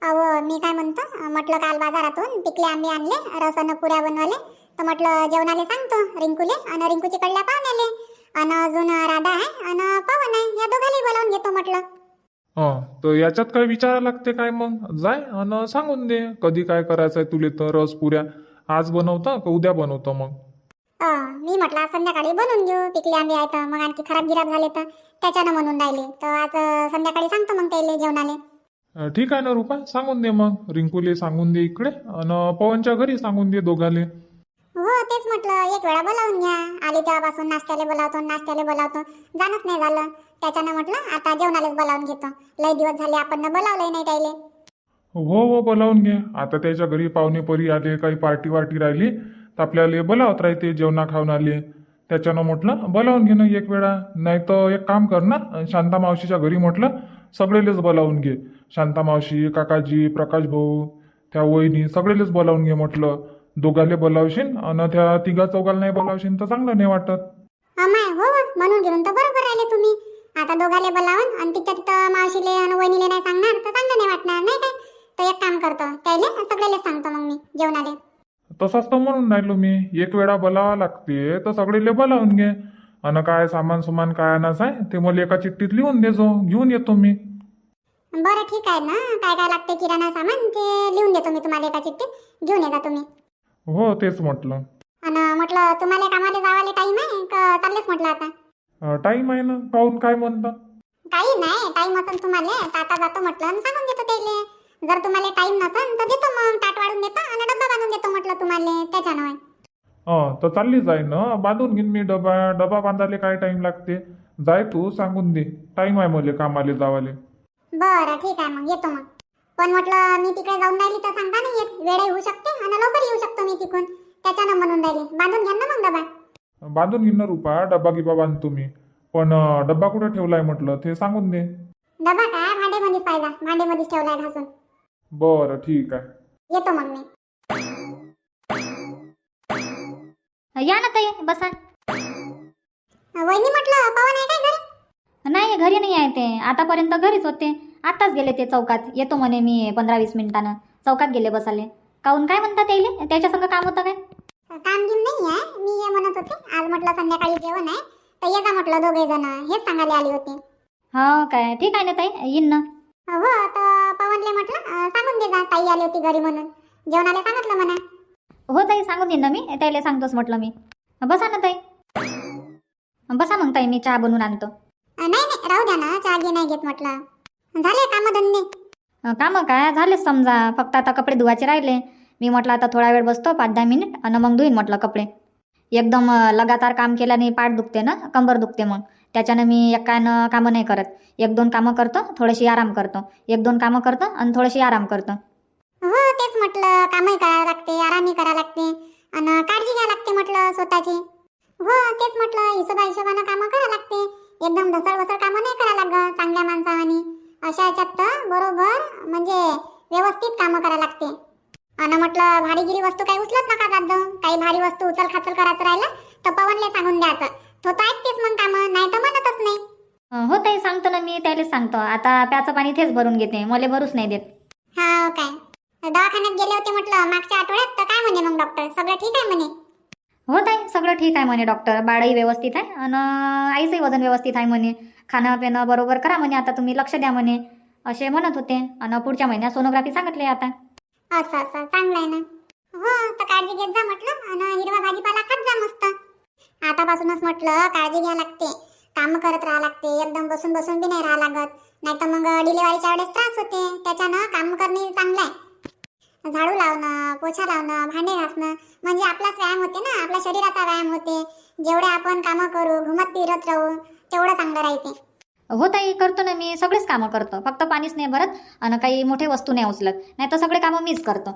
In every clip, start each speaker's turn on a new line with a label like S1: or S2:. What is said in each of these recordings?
S1: अहो मी काय म्हणतो, म्हटलं काल बाजारातून पिकले आंबे आणले, रसानं पुऱ्या बनवले. तर म्हटलं जेवणाले सांगतो रिंकूले आणि रिंकूची कडल्या पाहुण्याले आणि अजून राधा आहे आणि पवन आहे, या दोघांनी बोलावून घेतो म्हटलं.
S2: तर याच्यात काय विचारा लागते काय? मग जाय आणि सांगून दे कधी काय करायचं आहे तुले. तर रस पुऱ्या आज बनवतं का उद्या बनवतं मग?
S1: मी म्हटलं आज संध्याकाळी बनवून घेऊ, पिकले आंबे आहेत मग आणखी खराब गिराब झाले तर त्याच्यानं म्हणून राहिले. तर आज संध्याकाळी सांगतो मग त्याले जेवणाले.
S2: ठीक आहे ना रुपा, सांगून दे मग. रिंकूले सांगून दे इकडे आणि पवनच्या घरी सांगून दे दोघाले.
S1: हो तेच म्हटलं, एक वेळा बोलावून घ्या. आले तेव्हापासून नाश्त्याला बोलावतो जाणच नाही झालं. त्याच्यानं म्हटलं आता जेवणालाच बोलावून घेतो. लय दिवस झाले आपण बोलावलंय नाही त्याले.
S2: हो बोलावून घे. आता त्याच्या घरी पाहुणे परी आले, काही पार्टी वार्टी राहिली तर आपल्याला बोलावत राहते, जेवणा खाऊन आले. त्याच्यानं म्हटलं बोलावून घे ना एक वेळा. नाही तर एक काम कर ना, शांता मावशीच्या घरी म्हटलं सगळेलेच बोलावून घे. शांता मावशी, काकाजी, प्रकाश भाऊ, त्या वहिनी सगळेलेच बोलावून घे म्हटलं. दोघाले बोलावशील आणि त्या तिघा चौघाला नाही बोलावशील तर चांगलं नाही वाटत.
S1: अमाय हो म्हणून घेऊन तर बरोबर राहिले तुम्ही. आता दोघाले बोलावून आणि तिथं मावशीले आणि वहिनीले नाही सांगणार तर चांगलं नाही वाटणार नाही काय. तर एक काम करतो, त्याले सगळेले सांगतो मग मी जेवणाले.
S2: तसाच तर म्हणून राहिलो मी, एक वेळा बोलावा लागते तर सगळेले बोलावून घे. आणि काय सामान काय आणायचं आहे ते मला एका चिठ्ठीत लिहून देजो, घेऊन येतो मी.
S1: बरं ठीक आहे ना, काय काय लागते किराणा सामान ते लिहून देतो मी तुम्हाला एका चिठ्ठीत, घेऊन येता तुम्ही.
S2: हो तेच म्हटलं.
S1: आणि म्हटलं तुम्हाला कामाला जावाले टाईम आहे का चाललेच म्हटलं आता?
S2: टाईम आहे ना, काहून काय म्हणता?
S1: काही नाही, टाईम असेल तुम्हाला तर आता जातो म्हटलं आणि सांगून देतो त्याले. जर तुम्हाला टाईम नसेल तर देतो मग, ताट वाढून देतो आणि डब्बा बांधून देतो म्हटलं तुम्हाला, त्याच्यानं.
S2: तर चालली जाय ना, बांधून घेईन मी डबा बांधायला काय टाइम लागते. जाय तू, सांगून दे टाइम आहे मला कामाला जावाले.
S1: बरं ठीक आहे मग येतो मग. पण म्हटलं मी तिकडे जाऊन राहिली तर सांगता नाही येत, वेळही होऊ शकते आणि लवकर येऊ शकतो मी तिकडून, त्याच्यानं म्हणून राहिली. बांधून घ्या ना मग डबा.
S2: बांधून घेईन ना रुपा, डब्बा गिबा बांधतो मी. पण डब्बा कुठे ठेवलाय म्हटलं ते सांगून दे.
S1: डबा काय भांडेमध्येच पाहिजे, भांडेमध्येच ठेवलाय घासून.
S2: बरं ठीक आहे,
S1: येतो मग मी.
S3: या ना ताई बसा.
S1: वहिनी म्हटलं पवन आहे काय घरी?
S3: नाही घरी नाही आहे ते, आतापर्यंत घरीच होते. आत्ताच गेले ते चौकात. येतो म्हणे मी 15-20 मिनिटानं. चौकात गेले बसाले. काहून काय म्हणतात त्याईले? त्याच्या संग काम होतं काय?
S1: काम घेऊन नाही आहे, मी हे म्हणत होते आज म्हटलं संध्याकाळी जेवण आहे तर ये जा म्हटलं दोघे जण, हेच सांगायला आली होती.
S3: हो काय, ठीक आहे ना ताई, येईन ना.
S1: हो तर पवनले म्हटलं सांगून दे जा ताई आली होती घरी म्हणून, जेवणाला सांगितलं म्हणा.
S3: हो ताई सांगून देईन ना मी, त्याला सांगतोच म्हटलं मी. बसा ना ताई, बसा मग ताई, मी चहा बनवून आणतो.
S1: नाही राहू द्या ना, चहा घे नाही घेत म्हटलं. झाले कामधंदे?
S3: कामं काय झालेच समजा, फक्त आता कपडे धुवायचे राहिले. मी म्हटलं आता थोडा वेळ बसतो 5-10 मिनिट आणि मग धुईन म्हटलं कपडे. एकदम लगातार काम केल्याने पाठ दुखते ना, कंबर दुखते. मग त्याच्यानं मी एकानं कामं नाही करत. 1-2 कामं करतो, थोडीशी आराम करतो. 1-2 कामं करतो आणि थोडीशी आराम करतो.
S1: हो तेच म्हटलं, कामही करावं लागते, आरामही करावं लागते आणि काळजी घ्यावी लागते म्हटलं स्वतःची. हो तेच म्हटलं, हिशोबानं कामं करावं लागते. एकदम ढसळ कामं नाही करावं लागत चांगल्या माणसावानी. अशा याच्यात तर बरोबर म्हणजे व्यवस्थित कामं करावं लागते. आणि म्हटलं भारीगिरी वस्तू काही उचलत नका जात जाऊ. काही भारी वस्तू उचल खाचल करायचं राहिलं तर पवनले सांगून द्यायचं, तो तर ऐकतेच मग कामं, नाही तर म्हणतच नाही.
S3: हो ताई सांगतो ना मी, त्यालाच सांगतो. आता प्याचं पाणी तेच भरून घेते, मला भरूच नाही देत.
S1: हा काय, दवाखान्यात गेले होते म्हटलं मागच्या आठवड्यात, तर काय म्हणे मग डॉक्टर? सगळं ठीक आहे म्हणे?
S3: हो ताई सगळं ठीक आहे म्हणे डॉक्टर. बाळही व्यवस्थित आहे आणि आईचंही वजन व्यवस्थित आहे म्हणे. खाणं पिणं बरोबर करा म्हणे, आता तुम्ही लक्ष द्या म्हणे, असे म्हणत होते. आणि पुढच्या महिन्यात सोनोग्राफी सांगितली आता.
S1: असं चांगलं आहे ना. हो तर काळजी घेत जा म्हटलं आणि हिरवा भाजीपाला खात जा मस्त. आतापासूनच म्हटलं काळजी घ्या लागते, काम करत राहा लागते. एकदम बसून बी नाही राहा लागत, नाही तर मग डिलिव्हरीच्या वेळेस त्रास होते. त्याच्यानं काम करणे चांगलं आहे. झाडू लावणं, पोछा लावणं, भांडे घासणं म्हणजे आपलाच व्यायाम होते ना, आपल्या शरीराचा व्यायाम होते. जेवढे आपण कामं करू, घुमत फिरत राहू, तेवढं चांगलं राहते.
S3: हो ताई करतो ना मी, सगळेच कामं करतो. फक्त पाणीच नाही भरत आणि काही मोठे वस्तू नाही उचलत, नाही तर सगळे कामं मीच करतो.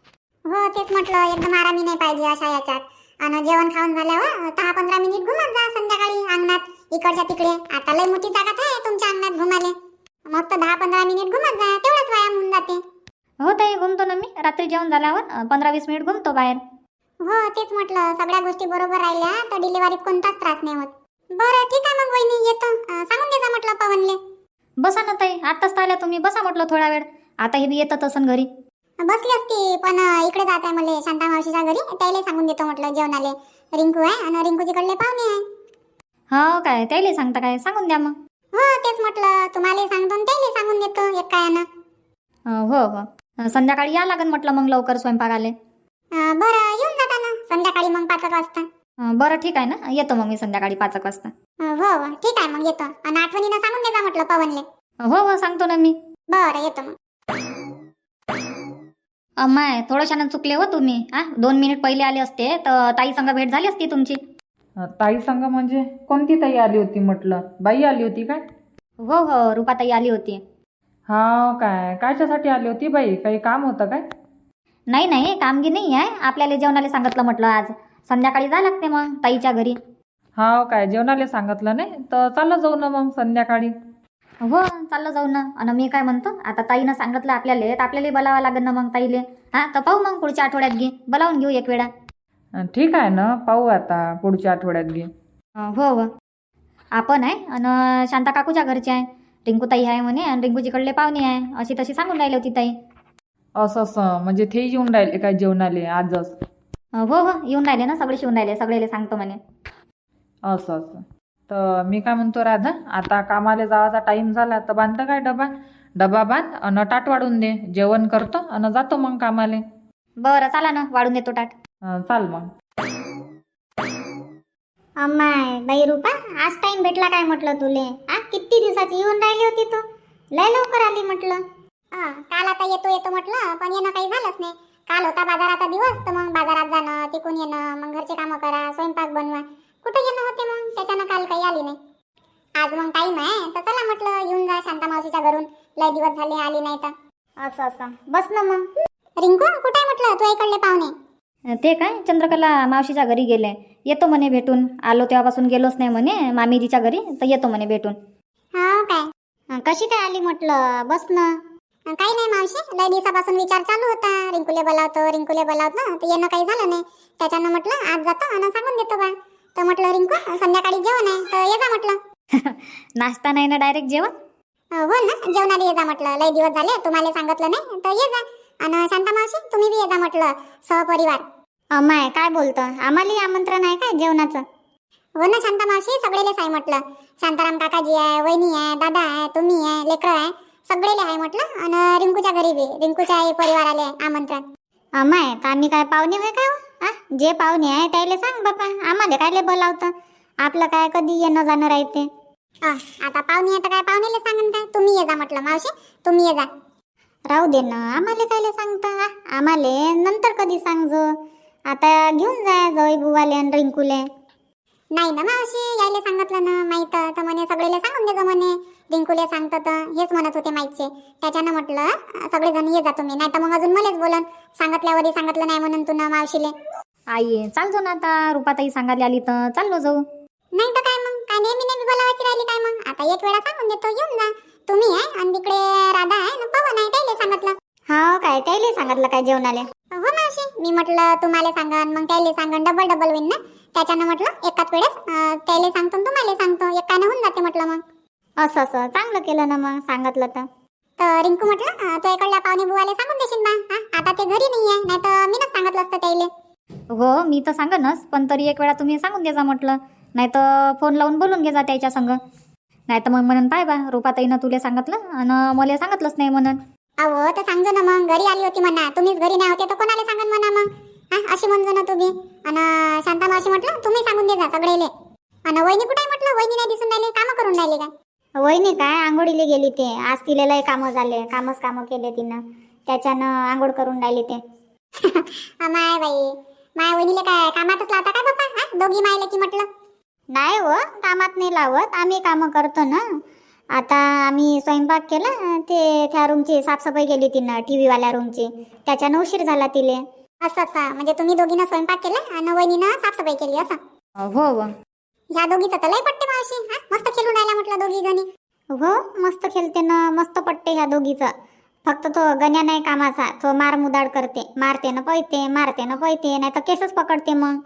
S1: हो तेच म्हटलं, एकदम आरामी नाही पाहिजे अशा याच्यात. आणि जेवण खाऊन झाल्यावर 10-15 मिनिट घुमत जा संध्याकाळी अंगणात, इकडच्या तिकडे. आता लय मोठी जागा आहे तुमच्या अंगणात घुमाले. मस्त 10-15 मिनिट घुमत जा, तेवढाच व्यायाम होऊन जाते.
S3: हो ताई घुमतो ना मी, रात्री जेवण झाल्यावर 15-20 मिनिट घुमतो बाहेर.
S1: हो तेच म्हटलं, सगळ्या गोष्टी बरोबर राहिल्या तर डिलिव्हरीत कोणताच त्रास नाही होत. बरं ठीक आहे मग वहिनी, येतो. सांगून दे जा म्हटलं पवनले.
S3: बसा ना ताई, आत्ताच आल्या तुम्ही, बसा म्हटलं थोडा वेळ. आता हे बी येतात असं घरी.
S1: बसली असती पण इकडे जात आहे मला शांता मावशीच्या घरी, त्याला सांगून देतो म्हटलं जेवणाले रिंकू आहे आणि रिंकूजीकडले पाहुणे आहे.
S3: हो काय, त्याला सांगता काय, सांगून द्या मग.
S1: हो तेच म्हटलं, तुम्हाला सांगतो आणि त्याला सांगून देतो एक कायानं.
S3: हो हो, संध्याकाळी या लागेल म्हटलं मग लवकर स्वयंपाक आले.
S1: बरं येऊन जाता ना संध्याकाळी मग 5 वाजता.
S3: बरं ठीक आहे ना, येतो मग मी संध्याकाळी 5 वाजता.
S1: हो ठीक आहे मग येतो आणि आठवणीनं सांगून देता म्हटलं पवनले.
S3: हो हो सांगतो ना मी.
S1: बरं येतो मग.
S3: अम्माय थोडंशानं चुकले हो तुम्ही. 2 मिनिट पहिले आले असते तर ताई संग भेट झाली असती तुमची.
S4: ताई संग म्हणजे कोणती ताई आली होती म्हटलं? बाई आली होती काय?
S3: हो हो, रुपाताई आली होती.
S4: हा काय, कायच्यासाठी आली होती बाई? काही काम होतं काय?
S3: नाही नाही, कामगी नाही आहे, आपल्याला जेवणाला सांगितलं म्हटलं आज संध्याकाळी जा लागते मग ताईच्या घरी.
S4: हा काय, जेवणाला सांगितलं नाही तर चाललं जाऊ ना मग संध्याकाळी.
S3: हो चाललं जाऊ ना. आणि मी काय म्हणतो, आता ताईनं सांगितलं आपल्याला तर आपल्याला बोलावं लागेल ना मग ताईले. तर पाहू मग पुढच्या आठवड्यात घे, बोलावून घेऊ एक वेळा.
S4: ठीक आहे ना, पाहू आता पुढच्या आठवड्यात घे.
S3: हो हो, आपण आहे आणि शांता काकूच्या घरचे आहे, रिंकूताई आहे म्हणे आणि रिंकूजीकडले पाहुणे आहे, अशी तशी सांगून राहिली होती ताई.
S4: असं म्हणजे ते येऊन राहिले काय जेवणाले आजच?
S3: हो हो येऊन राहिले ना, सगळे येऊन राहिले, सगळेले सांगतो म्हणे.
S4: असं तर मी काय म्हणतो राधा, आता कामाला जायचा टाइम झाला तर बांधतं काय डबा बांध आणि ताट वाढून दे, जेवण करतो आणि जातो मग कामाले.
S3: बरं चला ना, वाढून देतो ताट.
S4: चाल मग.
S1: अम्माय बाई रूपा, आज टाइम भेटला काय म्हटलं तुले? किती दिवसाची येऊन राहिली होती तू, लय लवकर आली म्हटलं. काल आता येतो येतो म्हटलं पण येणं काही झालंच नाही. काल होता बाजाराचा दिवस तर मग बाजारात जाणं, तिकून येणं, मग घरचे कामं करा, स्वयंपाक बनवा, कुठं येणं होते मग, त्याच्यानं काल काही आली नाही. आज मग टाइम आहे तर चला म्हटलं येऊन जा शांता मावशीच्या घरून, लय दिवस झाले आली नाही तर. असं बस ना मग. रिंकू कुठे म्हटलं तू इकडले पाहुणे?
S3: ते काय चंद्रकला मावशीच्या घरी गेले, येतो म्हणे भेटून. आलो तेव्हापासून गेलोच नाही म्हणे मामीजीच्या घरी, तर येतो म्हणे भेटून.
S1: हा काय, कशी काय आली म्हटलं? बस ना. काही नाही मावशी, लय दिवसापासून विचार चालू होता, रिंकूले बोलावतो तर येणं काही झालं नाही. त्याच्यानं म्हटलं आज जातो आणि सांगून देतो बा. तर म्हटलं रिंकू संध्याकाळी जेवण आहे तर ये जा म्हटलं.
S3: नाश्ता नाही ना, डायरेक्ट जेवण?
S1: हो ना, जेवणाला ये जा म्हटलं, लय दिवस झाले तुम्हाला सांगितलं नाही तर ये जा. आणि शांता मावशी तुम्ही बी ये जा म्हटलं सहपरिवार. अम्माय काय बोलतं, आम्हाला आमंत्रण आहे काय जेवणाचं? हो ना शांता मावशी, सगळेलेच आहे म्हटलं. शांताराम काकाजी आहे, वहिनी आहे, दादा आहे, तुम्ही आहे, लेकरं आहे, सगळेले आहे म्हटलं. आणि रिंकूच्या घरी बी रिंकूच्या परिवाराले आमंत्रण. अम्माय तर आम्ही काय पाहुणे होय काय? जे पाहुणे आहे त्याला सांग बापा, आम्हाला काय बोलावतं, आपलं काय कधी येणं जाणं राहते. आता पाहुणे आहे तर काय पाहुणेले सांगन काय, तुम्ही ये जा म्हटलं मावशी, तुम्ही ये जा. राहू दे ना, आम्हाला कायले सांगता, आम्हाला नंतर कधी सांगजो, आता घेऊन जा जय बुवाले आणि रिंकूले. नाही ना मावशी, यायले सांगितलं ना माहीत तर म्हणे सगळेले सांगून दे म्हणे, रिंकूले सांगतं तर हेच म्हणत होते माहीतचे. त्याच्यानं म्हटलं सगळेजण ये जा तुम्ही, नाही तर मग अजून मलाच बोलन, सांगितल्यावरही सांगितलं नाही म्हणून तू ना मावशीले.
S3: आई चालतो ना, आता रुपाताई सांगायला आली तर चाललो जाऊ.
S1: नाही तर काय मग, काय नेहमी बोलावायची राहिली काय मग? आता एक वेळा सांगून देतो, येऊन जा. तुम्ही आहे आणि तिकडे राधा आहे ना पवन आहे, त्याला सांगितलं. हो काय, त्याला सांगितलं काय जेवणाले? हो मावशी, मी म्हटलं तुम्हाला सांगन मग त्याला सांगन, डबल होईन ना. त्याच्यानं म्हटलं एकाच वेळेस त्याला सांगतो तुम्हाला सांगतो, एकानं होऊन जाते म्हटलं. मग असं चांगलं केलं ना मग सांगितलं तर. रिंकू म्हटलं तो इकडल्या पाहुणे बुवाले सांगून देशील बा, आता ते घरी नाही आहे, नाही तर मीनच सांगितलं असतं त्याला.
S3: हो मी तर सांगनच, पण तरी एक वेळा तुम्ही सांगून दे जा म्हटलं, नाही तर फोन लावून बोलून घे जा त्याच्या संग. नाही तर मग म्हणून पाय बा, रुपाताईनं तुला सांगितलं आणि मला सांगितलंच नाही म्हणून.
S1: अहो तर सांगजो ना मग, घरी आली होती म्हणा, तुम्हीच घरी नाही होते तर कोणाला सांगन म्हणा मग. अशी म्हणजो ना तुम्ही. आणि शांता मावशी म्हटलं तुम्ही सांगून दे जा सगळेले. आणि वहिनी कुठे आहे म्हटलं? वहिनी नाही दिसून राहिली, कामं करून राहिली काय? वहिनी काय आंघोळीला गेली, ते आज तिला लय कामं झाले, कामं केले तिनं, त्याच्यानं आंघोळ करून राहिली ते. माय बाई, माय वहिनीले काय कामातच लावता काय बाप्पा? दोघी मायले की म्हटलं. नाही हो, कामात नाही लावत, आम्ही कामं करतो ना. आता आम्ही स्वयंपाक केला, ते त्या रूमची साफसफाई केली तिनं, टीव्ही वाल्या रूमची, त्याच्यानं उशीर झाला तिले. असं म्हणजे तुम्ही दोघीनं स्वयंपाक केला आणि वहिनीनं साफसफाई केली असं?
S3: हो हो,
S1: ह्या दोघीचं तर लय पट्टे मावशी, मस्त खेळून राहिल्या म्हटलं दोघी जणी. हो मस्त खेळते ना, मस्त पट्टे ह्या दोघीचं. फक्त तो गण्या नाही कामाचा, तो मार मुदाड करते, मारते ना पळते, नाही तर केसच पकडते मग.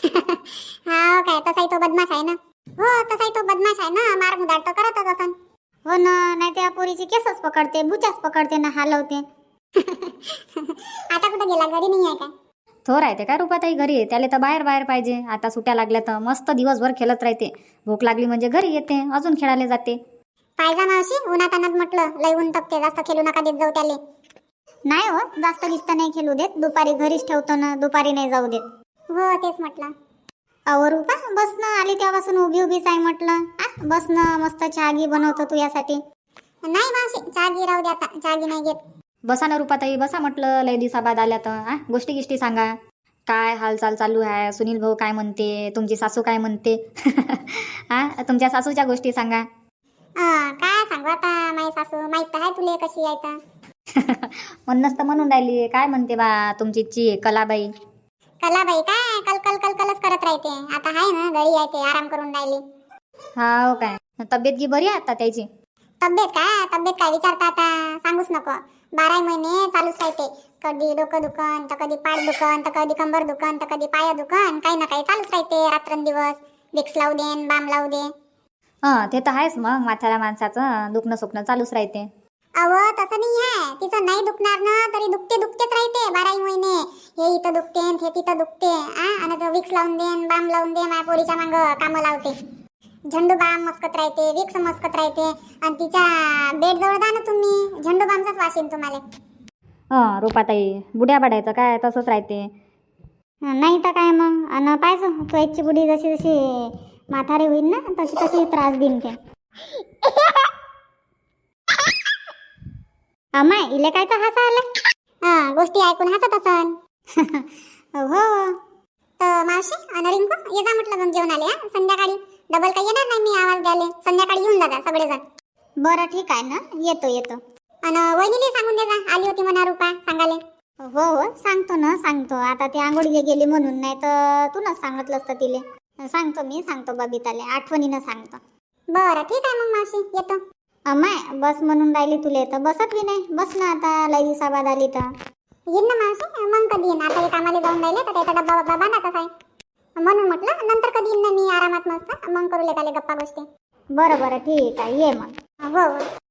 S1: हा काय, तसाही तो बदमाश आहे ना. हो तसाही तो बदमाश आहे ना, मार मुदाड तर करतच असन. हो ना, नाही त्या पोरीची केसच पकडते, बुचाच पकडते ना हलवते. आता कुठं गेला, घरी नाही आहे काय?
S3: थोर राहते काय रुपाताई घरी, त्याला तर बाहेर बाहेर पाहिजे. आता सुट्या लागल्या तर मस्त दिवसभर खेळत राहते. भूक लागली म्हणजे घरी येते, अजून खेळायला जाते.
S1: पाहिजा मावशी, उन्हात अनात म्हटलं लय ऊन तपते, जास्त खेळू नका देत जाऊ त्याले. नाही हो, जास्त गिस्त नाही खेळू देत, दुपारी घरीच ठेवतो ना, दुपारी नाही जाऊ देत. हो तेच म्हटलं. अहो रुपा, बस ना, आली तेव्हापासून उभी उभीच आहे म्हटलं. बस ना, मस्त चहा गी बनवतो तू यासाठी. नाही मावशी, चहा गी राहू दे, आता चहा गी नाही घेत.
S3: बसा ना रुपाताई, बसा म्हटलं, लय दिवसाबाद आल्या तर गोष्टी गिष्टी सांगा. काय हालचाल चालू आहे, सुनील भाऊ काय म्हणते, तुमची सासू काय म्हणते. तुमच्या सासूच्या गोष्टी सांगा.
S1: काय सांगू आता, माझी सासू माहित तर आहे तुले कशी आहे तर.
S3: म्हणूनच तर म्हणून राहिली, काय म्हणते बा तुमची कलाबाई.
S1: कलाबाई काय कलकलच करत राहते. आता आहे ना, घरी आहे ते, आराम करून राहिली.
S3: हो काय, तब्येत गी बरी आहे आता त्याची?
S1: तब्येत काय विचारता आता, सांगूच नको. 12 महिने चालूच राहते. कधी डोकं दुखन, तर कधी पाठ दुखन, तर कधी कंबर दुखन, तर कधी पाय दुखन, काही ना काही चालूच राहते रात्रंदिवस. विक्स लावू दे, बाम लावू दे.
S3: ते तर आहेच मग, म्हाताऱ्या माणसाचं दुखणं सुखणं चालूच राहते.
S1: अव तसं नाही आहे, तिचं नाही दुखणार ना तरी दुखतेच राहते 12 महिने. हे इथं दुखते, हे तिथं दुखते. आणि विक्स लावून दे, बाम लावून दे, माझ्या पोरीच्या मांग कामं लावते. झंडू बाम मस्कत राहते, विक्स मस्कत राहते. आणि तिच्या बेड जवळ जा ना तुम्ही, झंडू बामचाच वास येईल तुम्हाला.
S3: रुपाताई, बुड्या बडायचं काय तसंच राहते.
S1: नाही तर काय मग, आणि पाहिजे तो एकची बुडी जशी जशी म्हातारी होईल ना, तशी तशी त्रास देईन ते. अमाय, इले काय तर हसा आलं. गोष्टी ऐकून हसत असन. हो तर मावशी आणि रिंकू, ये जा म्हटलं मग जेवण आले. संध्याकाळी डबल काही येणार नाही मी आवाज द्याले, संध्याकाळी येऊन जा सगळेजण. बरं ठीक आहे ना, येतो. आणि वहिनीला सांगून दे जा, आली होती म्हणा रुपा सांगाले. हो सांगतो ना, सांगतो. आता ती आंघोळीला गेली म्हणून, नाही तर तूनच सांगितलं असतं तिले. सांगतो बबिताले, आठवणीनं सांगतो. बरं ठीक आहे मग मावशी, येतो. अमाय, बस म्हणून राहिली तुले तर बसत बी नाही. बस ना आता, लई दिवसाबाद आली तर. येईन ना मावशी, मग कधी येईन. आता हे कामाला जाऊन राहिले तर त्याचा डब्बा बांधाचाच आहे, म्हणून म्हटलं नंतर कधी येईन ना मी आरामात मस्त, मग करू लेकाले गप्पा गोष्टी. बरं ठीक आहे, ये मग. हो